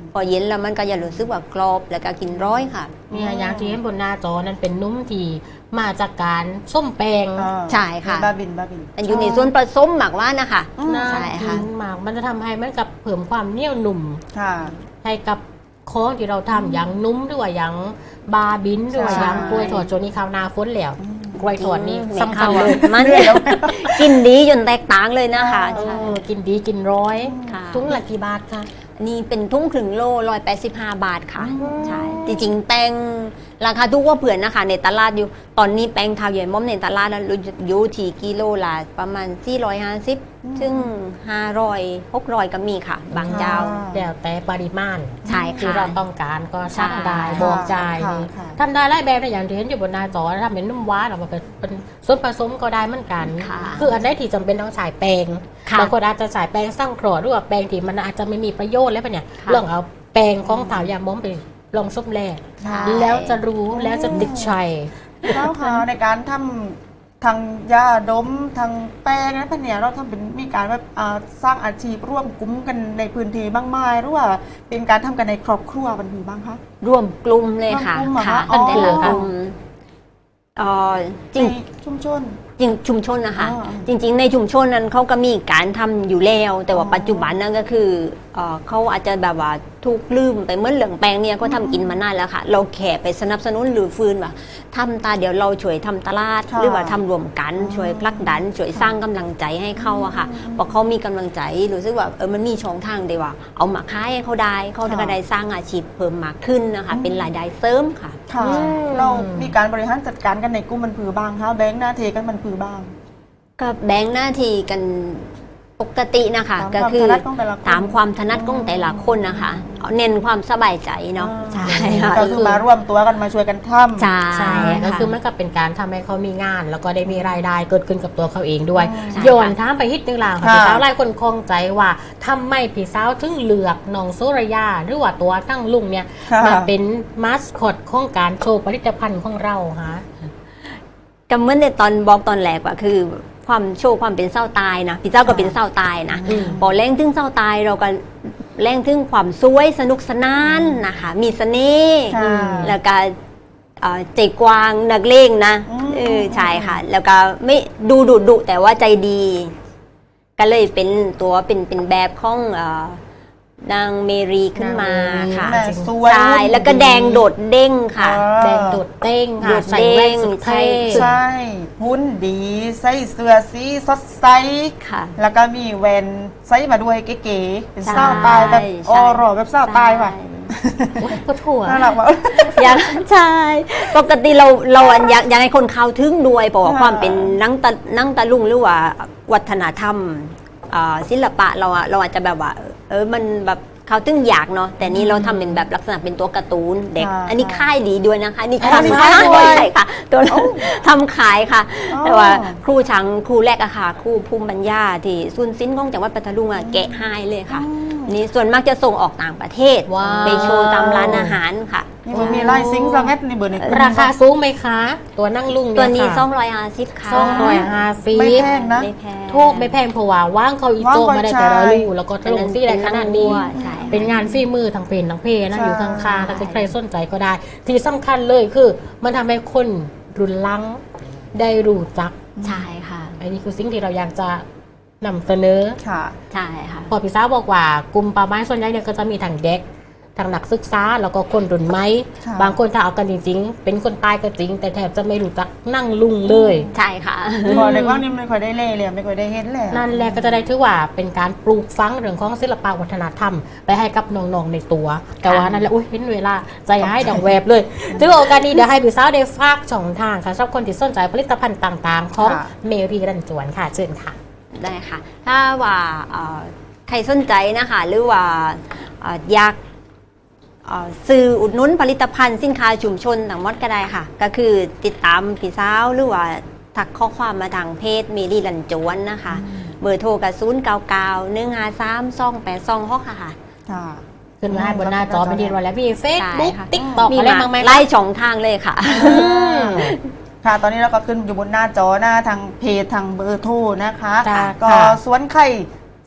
[SPEAKER 3] พอเย็นแล้วมันก็จะรู้สึกว่ากรอบแล้วก็กินร้อยค่ะ
[SPEAKER 1] เนี่ยอย่างที่เห็นบนหน้าจอนั้นเป็นนุ่มที่มาจากการส้มแปง
[SPEAKER 2] อ่า
[SPEAKER 3] ใช่ค่ะ
[SPEAKER 2] บาบินบาบิน
[SPEAKER 3] มันอยู่ในส่วนผสมหมักว่านะคะ
[SPEAKER 2] อืม
[SPEAKER 1] น่า
[SPEAKER 3] ใช่ค่ะ
[SPEAKER 1] กินมากมันจะทำให้มันกับเพิ่มความเหนียวหนุ่ม
[SPEAKER 2] ค่ะ
[SPEAKER 1] ให้กับของที่เราทำอย่างนุ่มหรือว่าอย่างบาบินหรือว่า
[SPEAKER 2] ใช่
[SPEAKER 1] อย่างกล้วยทอดโจนี่ข้าวนาฝนแล้วกล้วยทอดนี่
[SPEAKER 3] ไม่
[SPEAKER 1] สำคัญ
[SPEAKER 3] ข้า
[SPEAKER 1] เลย
[SPEAKER 3] มันกินดีจนแตกต่างเลยนะคะ
[SPEAKER 1] เอ
[SPEAKER 3] ใช่
[SPEAKER 1] อกินดีกินร้อย
[SPEAKER 3] ค่ะ
[SPEAKER 1] ทุงละกี่บาทคะ
[SPEAKER 3] นี่เป็นทุ่งครึ่งโลร้อยแปดสิบห้าบาทค่ะใช่จริงๆแป้งราคาทุกว่าเผื่อนนะคะในตลาดอยู่ตอนนี้แป้งทาวใหญ่ม่อมในตลาดนั้นอยู่ที่กิโลละประมาณสี่ร้อยห้าสิบถึงห้าร้อยหกร้อยก็มีค่ะ บางเจ้า
[SPEAKER 1] แล้วแต่ปริมาณ
[SPEAKER 3] ใช่
[SPEAKER 1] ที่
[SPEAKER 3] ค่ะ
[SPEAKER 1] เราต้องการก็สั่งได้
[SPEAKER 3] ใช่
[SPEAKER 1] บอกจ่าย
[SPEAKER 2] ค่ะ
[SPEAKER 1] นี่
[SPEAKER 2] ค่ะ
[SPEAKER 1] ทำได้หลายแบบนะอย่างที่เห็นอยู่บนหน้าจอทำเป็นนุ่มหวานออกมาเป็นเป็นส่วนผสมก็ได้เหมือนกัน
[SPEAKER 3] ค่ะ
[SPEAKER 1] คืออันไหนที่จำเป็นต้องใช้แป้ง
[SPEAKER 3] ค่ะ
[SPEAKER 1] บางคนอาจจะใช้แป้งสร้างครอหรือว่าแป้งที่มันอาจจะไม่มีประโยชน์แล้วปะเนี่ย
[SPEAKER 3] ค่ะ
[SPEAKER 1] ลองเอาแป้งของถาวยาม้อมไปลองส้มแรก
[SPEAKER 3] ใช่
[SPEAKER 1] แล้วจะรู้แล้วจะติดใจ
[SPEAKER 2] แล้วค่ะในการทำทางยาดมทางแป้งนะพะเนี่ยเราทำเป็นมีการแบบอ่าสร้างอาชีพร่วมกลุ่มกันในพื้นที่บ้างไหมหรือว่าเป็นการทำกันในครอบครัวมันมีบ้างคะ
[SPEAKER 3] ร่วมกลุ่มเลยค่ะ
[SPEAKER 2] ร่วมกลุ่มเหรอคะ
[SPEAKER 3] ค่ะ
[SPEAKER 2] อ๋อ
[SPEAKER 3] แต่ละกลุ่มเอ่อจริง
[SPEAKER 2] ในชุมชน
[SPEAKER 3] จริงชุมชนนะคะ
[SPEAKER 2] อ๋อ
[SPEAKER 3] จริง ๆ ในชุมชนนั้นเขาก็มีการทำอยู่แล้ว แต่ว่า
[SPEAKER 2] อ๋อ
[SPEAKER 3] ปัจจุบันนั้นก็คือเอ่อเขาอาจจะแบบว่าถูกลืมไปเมื่อเหลืองแปลงเนี่ยก็ทำกินมานานแล้วค่ะ เราแค่ไปสนับสนุนหรือฟื้นว่าทำตาเดี๋ยวเราช่วยทำตลาด
[SPEAKER 2] ค่ะ
[SPEAKER 3] หรือว่าทำรวมกัน
[SPEAKER 2] อ๋อ
[SPEAKER 3] ช่วยผลักดัน ช่วยสร้างกำลังใจให้เขาอะค่ะพอเขามีกำลังใจรู้สึกว่าเออมันมีช่องทางเดียวว่า เอามาขายให้เขาได้เขาก็ได้สร้างอาชีพเพิ่มมากขึ้นนะคะเป็นรายได้เสริมค่ะ
[SPEAKER 2] ค่ะ
[SPEAKER 1] อืม
[SPEAKER 2] เรามีการบริหารจัดการกันในกลุ่มมันผือบ้างคะแบงค์หน้าเทกันมันผือบ้าง
[SPEAKER 3] ก็แบ่งหน้าที่กันปกตินะคะ
[SPEAKER 2] ตาม
[SPEAKER 3] ก็
[SPEAKER 2] ความ
[SPEAKER 3] คื
[SPEAKER 2] ถ
[SPEAKER 3] อ
[SPEAKER 2] นัดของแต่ละคน
[SPEAKER 3] ตามความถนัดของแต่ละคนนะคะเอาเน้นความสบายใจเนาะใช่ค่ะ
[SPEAKER 2] ก็คือมาร่วมตัวกันมาช่วยกันทำ
[SPEAKER 3] ใช่
[SPEAKER 1] ใช่ก็
[SPEAKER 3] ค่ะ
[SPEAKER 1] คือมันก็เป็นการทำให้เขามีงาน แล้วก็ได้มีรายได้เกิดขึ้นกับตัวเขาเองด้วย
[SPEAKER 3] ใช่
[SPEAKER 1] โยนถามไปฮิตนึงล่ะค่ะ
[SPEAKER 2] ค่ะ
[SPEAKER 1] พี่สาวหลายคนคงใจว่าทำไมพี่สาวถึงเลือกน้องโซรยาหรือว่าตัวตั้งลุงเนี่ย
[SPEAKER 2] ค่ะ
[SPEAKER 1] มาเป็นมาสคอตของการโชว์ผลิตภัณฑ์ของเราฮะ
[SPEAKER 3] ก็เหมื่อนในตอนบอกตอนแรกว่าคือความโชว์ความเป็นเศร้าตายนะพี่เจ้าก็เป็นเศร้าตายนะ
[SPEAKER 1] อืม
[SPEAKER 3] พอแรงถึงเศร้าตายเราก็แรงถึงความสวยสนุกสนานนะคะ มีเสน่ห์
[SPEAKER 2] ค่ะ
[SPEAKER 3] แล้วก็เอ่อใจกว้างนักเลงนะ
[SPEAKER 2] อืม
[SPEAKER 3] เออใช่ค่ะ แล้วก็ไม่ดูดุดุแต่ว่าใจดี ก็เลยเป็นตัวเป็นเป็นแบบของเอ่อนางเมรีขึ้นมาค่ะ
[SPEAKER 2] แม่สวย
[SPEAKER 3] ใช่แล้วก็แดงโดดเด้งค่ะ
[SPEAKER 2] อ่า
[SPEAKER 1] แดงโดดเต้ง
[SPEAKER 3] โด
[SPEAKER 1] ค่ะ
[SPEAKER 3] ด
[SPEAKER 1] ใส่แว่นสุด
[SPEAKER 3] เด้
[SPEAKER 1] เท่
[SPEAKER 3] ง
[SPEAKER 2] ใช่หุ้นดีใส่เสื้อสีสดใส
[SPEAKER 3] ค่ะ
[SPEAKER 2] แล้วก็มีแวนใส่มาด้วยเก๋ๆเป็น
[SPEAKER 3] ใช่
[SPEAKER 2] เศร้าตายแบบ
[SPEAKER 3] ใช่
[SPEAKER 2] ออรอแบบเศร้าตายว่ะ
[SPEAKER 1] โอ๊ยปวดหัว
[SPEAKER 2] น่ารักว่ะ
[SPEAKER 3] อยากใช่ปกติเราเราอยากอยากให้คนเข้าถึงด้วยเพราะว่า
[SPEAKER 2] ค่ะ
[SPEAKER 3] ความเป็นนังตะนังตะลุงหรือว่าวัฒนธรรมอ่าศิลปะเราอะเราอาจจะแบบว่าเออมันแบบเขาถึงอยากเนาะแต่นี่เราทำเป็นแบบลักษณะเป็นตัวการ์ตูนเด็ก
[SPEAKER 2] ค่ะ
[SPEAKER 3] อันนี้ค่ายดีด้วยนะคะนี่
[SPEAKER 2] อ๋อ
[SPEAKER 3] ทำ
[SPEAKER 2] มี
[SPEAKER 3] ค่า
[SPEAKER 2] ค่าย ยด้วย
[SPEAKER 3] ใช่ค่ะตัวทำขายค่ะ
[SPEAKER 2] อ๋อ
[SPEAKER 3] แต่ว่าครูชังครูแรกอะค่ะครูภูมิปัญญาที่ซุนซินของจังหวัดปัตตานีอะแกะให้เลยค่ะ นี่ส่วนมากจะส่งออกต่างประเทศ
[SPEAKER 1] ว้าว
[SPEAKER 3] ไปโชว์ตามร้านอาหารค่ะ
[SPEAKER 2] นี่มันมีไล่ซิงค์สังเกตในเบอร์ในกลุ่ม
[SPEAKER 1] ราคาสูงไหมคะ ตัวนั่งลุง
[SPEAKER 3] ตัวนี้
[SPEAKER 1] ค่ะ
[SPEAKER 3] สองร้อยห้าสิบค่ะ
[SPEAKER 1] สองร้อยห้าสิบ
[SPEAKER 2] ไม่แพงนะ
[SPEAKER 3] ไม่แพง
[SPEAKER 1] โทษไม่แพงเพราะว่าว่างเขาอีโจ
[SPEAKER 2] ว่างเขา
[SPEAKER 1] มาได้แต่ละ
[SPEAKER 2] ใช่
[SPEAKER 1] ลูกแล้วก็ลงซี่ได้ขนาดนี้
[SPEAKER 3] ใช่
[SPEAKER 1] เป็นงานฝีมือทางเพลงทางเพลงนะ
[SPEAKER 2] ใช่
[SPEAKER 1] อยู่ข้างๆถ้าใครสนใจก็ได้ ที่สำคัญเลยคือ มันทำให้คนรุ่นหลังได้รู้จัก
[SPEAKER 3] ใช่ค่ะ
[SPEAKER 1] อันนี้คือสิ่งที่เราอยากจะนำเสนอ
[SPEAKER 2] ค่ะ
[SPEAKER 3] ใช่ค่ะ
[SPEAKER 1] พอพี่สาวบอกว่ากลุ่มป่าไม้ส่วนใหญ่เนี่ยก็จะมีทางเด็กทางนักศึกษาแล้วก็คนรุ่นใหม่
[SPEAKER 2] ค่ะ
[SPEAKER 1] บางคนถ้าเอากันจริงๆ เป็นคนตายก็จริง แต่แทบจะไม่รู้จักนั่งลุงเลย
[SPEAKER 3] ใช่ค่ะ
[SPEAKER 2] พอในกล้องนี่ไม่ค่อยได้เล่เลยไม่ค่อยได้เห็นเลย
[SPEAKER 1] นั่นแหละก็จะได้ถือว่าเป็นการปลูกฝังเรื่องของศิลปวัฒนธรรม ไปให้กับน้องๆในตัว แต่ว่านั่นแหละอุ้ยเห็นเวลาใจหายดังแวบเลยถือว่าโอกาสนี้เดี๋ยวให้พี่สาวได้ฝากช่องทางค่ะสำหรับคนที่สนใจผลิตภัณฑ์ต่างๆ ของเมรีรันจวนค่ะเชิญค่ะ
[SPEAKER 3] ได้ค่ะ ถ้าว่าเอ่อใครสนใจนะคะ หรือว่าเอ่ออยากเอ่อซื้ออุดหนุนผลิตภัณฑ์สินค้าชุมชนต่างหมดก็ได้ค่ะ ก็คือติดตามพี่สาวหรือว่าทักข้อความมาทางเพจเมรีลันจวนนะคะ เบอร์โทรกับศูนย์เก้าเก้าหนึ่งห้าสามสองแปดสองหกค่ะ
[SPEAKER 2] ค่ะ
[SPEAKER 1] ขึ้นมาให้บนหน้าจอไม่ดีรอแล้วมีเฟซ
[SPEAKER 3] ใช่
[SPEAKER 1] บุ๊ก
[SPEAKER 3] ค่ะ
[SPEAKER 1] ติ๊กต็อก
[SPEAKER 3] มี
[SPEAKER 1] อะไร
[SPEAKER 3] มา
[SPEAKER 1] บ้างไหมคะ
[SPEAKER 3] ไล่ช่องทางเลยค่ะ
[SPEAKER 1] อืม
[SPEAKER 2] ค่ะ ตอนนี้เราก็ขึ้นอยู่บนหน้าจอหน้าทางเพจทางเบอร์โทรนะคะ
[SPEAKER 1] จ้ะ
[SPEAKER 2] ก็
[SPEAKER 1] ค่ะ
[SPEAKER 2] สวนไข่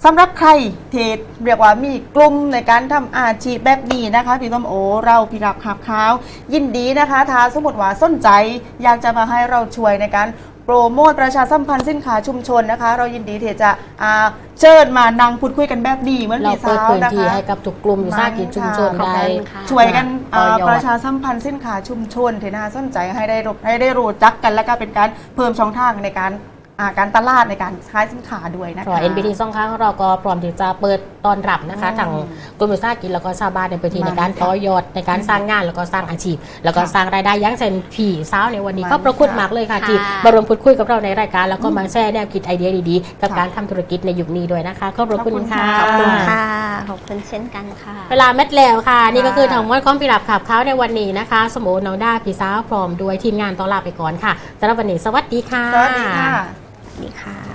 [SPEAKER 2] สำหรับใครเทศเรียกว่ามีกลุ่มในการทำอาชีพแบบนี้นะคะพี่ส้มโอเราพี่รับขับข้าวยินดีนะคะถ้าสมมติว่าสนใจอยากจะมาให้เราช่วยในการโปรโมทประชาสัมพันธ์สินค้าชุมชนนะคะ เรายินดีที่จะอ่าเชิญมานั่งพูดคุยกันแบบนี้เหมือน
[SPEAKER 1] เรา
[SPEAKER 2] พี่
[SPEAKER 1] เปิ
[SPEAKER 2] สา
[SPEAKER 1] ด
[SPEAKER 2] ว
[SPEAKER 1] พื้น
[SPEAKER 2] นะ
[SPEAKER 1] ที่
[SPEAKER 2] คะ
[SPEAKER 1] ให้กับทุกกลุ่มวิสาหกิจชุมชน
[SPEAKER 2] ขอบ
[SPEAKER 1] ได้
[SPEAKER 2] คุณ
[SPEAKER 3] ค่ะ
[SPEAKER 2] ช่วยกัน
[SPEAKER 1] ต่อยอด
[SPEAKER 2] อ่าประชาสัมพันธ์สินค้าชุมชนที่น่าสนใจให้ได้รู้ให้ได้รู้จักกัน และก็เป็นการเพิ่มช่องทางในการอ่าการตลาดในการขายสินค้าด้วยนะ
[SPEAKER 1] เพราะ
[SPEAKER 2] คะ
[SPEAKER 1] เอ็น บี ที สองครั้งเราก็พร้อมที่จะเปิดตอนรับนะคะ
[SPEAKER 2] อืม
[SPEAKER 1] ทางกลุ่มวิสาหกิจแล้วก็ชาวบ้านในพื้นที่
[SPEAKER 2] มา
[SPEAKER 1] ในการ
[SPEAKER 2] ค่ะ
[SPEAKER 1] ต่อยอดในการสร้างงานแล้วก็สร้างอาชีพ แล้วก็
[SPEAKER 2] ค่ะ
[SPEAKER 1] สร้างรายได้อยังเช่นผีสาวในวันนี้
[SPEAKER 2] มา
[SPEAKER 1] ก็ประคุณ
[SPEAKER 2] ค่ะ
[SPEAKER 1] มากเลยค่ะ
[SPEAKER 3] ค่ะ
[SPEAKER 1] ที่มาร่วมพูดคุยกับเราในรายการ แล้วก็มาแชร์แนวคิดไอเดียดีๆ กับ
[SPEAKER 2] ค่ะ
[SPEAKER 1] การทำธุรกิจในยุคนี้ด้วยนะคะขอบพระคุณค่ะ
[SPEAKER 2] ขอบคุณ
[SPEAKER 3] ค่ะ ขอบคุณเช่นกันค่ะ
[SPEAKER 1] เวลาเม็ดแล้วค่ะ นี่ก็คือ
[SPEAKER 2] ค่ะ
[SPEAKER 1] ทางวันของพี่รับขับเขาในวันนี้นะคะ สมโอน้องด้าพี่สาวพร้อมด้วยทีมงานต้อนรับไปก่อนค่ะสำหรับวันนี้สวัสดีค่ะ
[SPEAKER 2] สวัสดีค่ะ
[SPEAKER 3] สวัสดีค่ะ